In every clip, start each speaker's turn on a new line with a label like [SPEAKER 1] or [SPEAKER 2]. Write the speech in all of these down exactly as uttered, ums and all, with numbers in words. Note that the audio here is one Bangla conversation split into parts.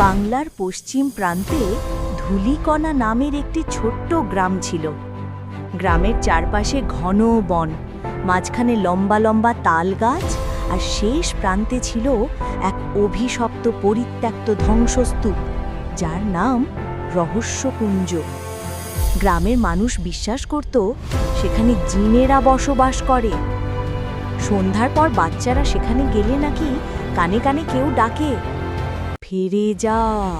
[SPEAKER 1] বাংলার পশ্চিম প্রান্তে ধুলিকণা নামের একটি ছোট্ট গ্রাম ছিল। গ্রামের চারপাশে ঘন বন, মাঝখানে লম্বা লম্বা তাল গাছ, আর শেষ প্রান্তে ছিল এক অভিশপ্ত পরিত্যক্ত ধ্বংসস্তূপ, যার নাম রহস্যকুঞ্জ। গ্রামের মানুষ বিশ্বাস করত সেখানে জিনেরা বসবাস করে। সন্ধ্যার পর বাচ্চারা সেখানে গেলে নাকি কানে কানে কেউ ডাকে, ফিরে যা।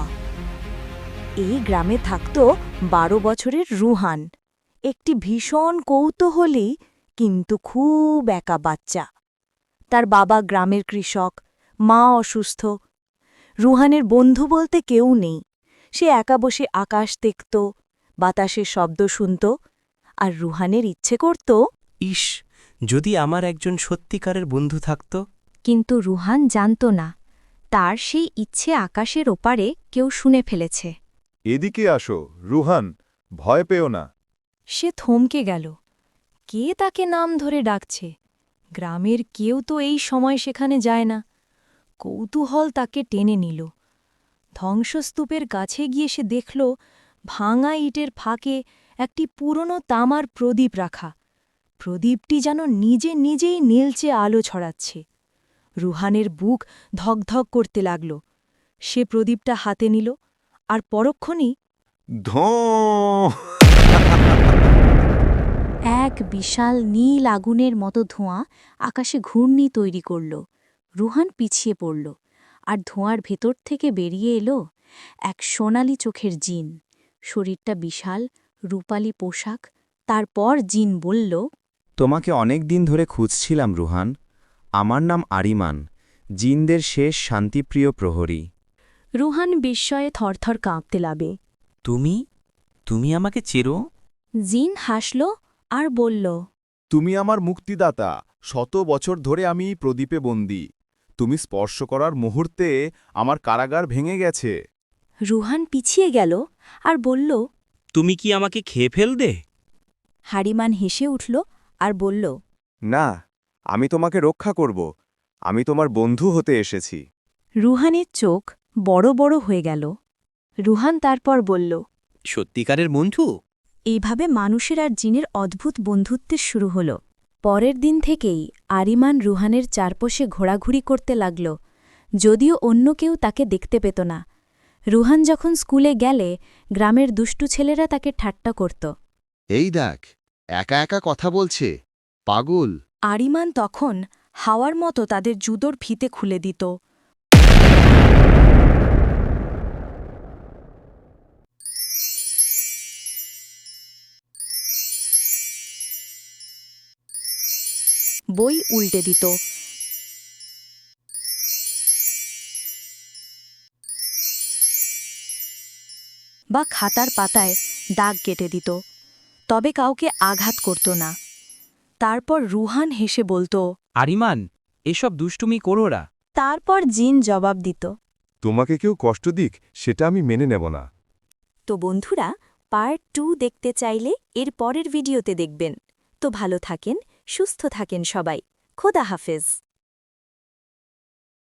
[SPEAKER 1] এই গ্রামে থাকত বারো বছরের রুহান, একটি ভীষণ কৌতূহলী কিন্তু খুব একা বাচ্চা। তার বাবা গ্রামের কৃষক, মা অসুস্থ। রুহানের বন্ধু বলতে কেউ নেই। সে একা বসে আকাশ দেখত, বাতাসের শব্দ শুনত, আর রুহানের ইচ্ছে করত,
[SPEAKER 2] ইস, যদি আমার একজন সত্যিকারের বন্ধু থাকত।
[SPEAKER 3] কিন্তু রুহান জানত না, তার সেই ইচ্ছে আকাশের ওপারে কেউ শুনে ফেলেছে।
[SPEAKER 4] এদিকে আসো, রুহান, ভয় পেও না।
[SPEAKER 1] সে থমকে গেল। কে তাকে নাম ধরে ডাকছে? গ্রামের কেউ তো এই সময় সেখানে যায় না। কৌতূহল তাকে টেনে নিল। ধ্বংসস্তূপের কাছে গিয়ে সে দেখল ভাঙা ইটের ফাঁকে একটি পুরনো তামার প্রদীপ রাখা। প্রদীপটি যেন নিজে নিজেই নীলচে আলো ছড়াচ্ছে। রুহানের বুক ধকধক করতে লাগল। সে প্রদীপটা হাতে নিল, আর পরক্ষণেই
[SPEAKER 4] ধোঁ!
[SPEAKER 3] এক বিশাল নীল আগুনের মতো ধোঁয়া আকাশে ঘূর্ণি তৈরি করল। রুহান পিছিয়ে পড়ল, আর ধোঁয়ার ভেতর থেকে বেরিয়ে এলো এক সোনালি চোখের জিন। শরীরটা বিশাল, রূপালি পোশাক। তারপর জিন বলল,
[SPEAKER 5] তোমাকে অনেক দিন ধরে খুঁজছিলাম রুহান। আমার নাম আরিমান, জিনদের শেষ শান্তিপ্রিয় প্রহরী।
[SPEAKER 1] রুহান বিস্ময়ে থরথর কাঁপতে লাগে।
[SPEAKER 2] তুমি তুমি আমাকে চেরো?
[SPEAKER 3] জিন হাসল আর বলল,
[SPEAKER 4] তুমি আমার মুক্তিদাতা। শত বছর ধরে আমি এই প্রদীপে বন্দী। তুমি স্পর্শ করার মুহূর্তে আমার কারাগার ভেঙে গেছে।
[SPEAKER 1] রুহান পিছিয়ে গেল আর বলল,
[SPEAKER 2] তুমি কি আমাকে খেয়ে ফেলবে?
[SPEAKER 1] হারিমান হেসে উঠল আর বলল,
[SPEAKER 4] না, আমি তোমাকে রক্ষা করব। আমি তোমার বন্ধু হতে এসেছি।
[SPEAKER 1] রুহানের চোখ বড় বড় হয়ে গেল। রুহান তারপর বলল,
[SPEAKER 2] সত্যিকারের বন্ধু?
[SPEAKER 1] এইভাবে মানুষের আর জিনের অদ্ভুত বন্ধুত্বের শুরু হল। পরের দিন থেকেই আরিমান রুহানের চারপাশে ঘোরাঘুরি করতে লাগল, যদিও অন্য কেউ তাকে দেখতে পেত না। রুহান যখন স্কুলে গেলে গ্রামের দুষ্টু ছেলেরা তাকে ঠাট্টা করত।
[SPEAKER 6] এই দেখ, একা একা কথা বলছে, পাগল।
[SPEAKER 1] আরিমান তখন হাওয়ার মতো তাদের জুদোর ফিতে খুলে দিত। বই উল্টে দিত। বা খাতার পাতায় দাগ কেটে দিত, তবে কাউকে আঘাত করত না। তারপর রুহান হেসে বলতো,
[SPEAKER 2] আরিমান, এসব দুষ্টুমি করো না।
[SPEAKER 1] তারপর জিন জবাব দিত।
[SPEAKER 4] তোমাকে কেউ কষ্ট দিক, সেটা আমি মেনে নেব না।
[SPEAKER 1] তো বন্ধুরা, পার্ট টু দেখতে চাইলে এর পরের ভিডিওতে দেখবেন। তো ভালো থাকেন, সুস্থ থাকেন সবাই। খোদা হাফেজ।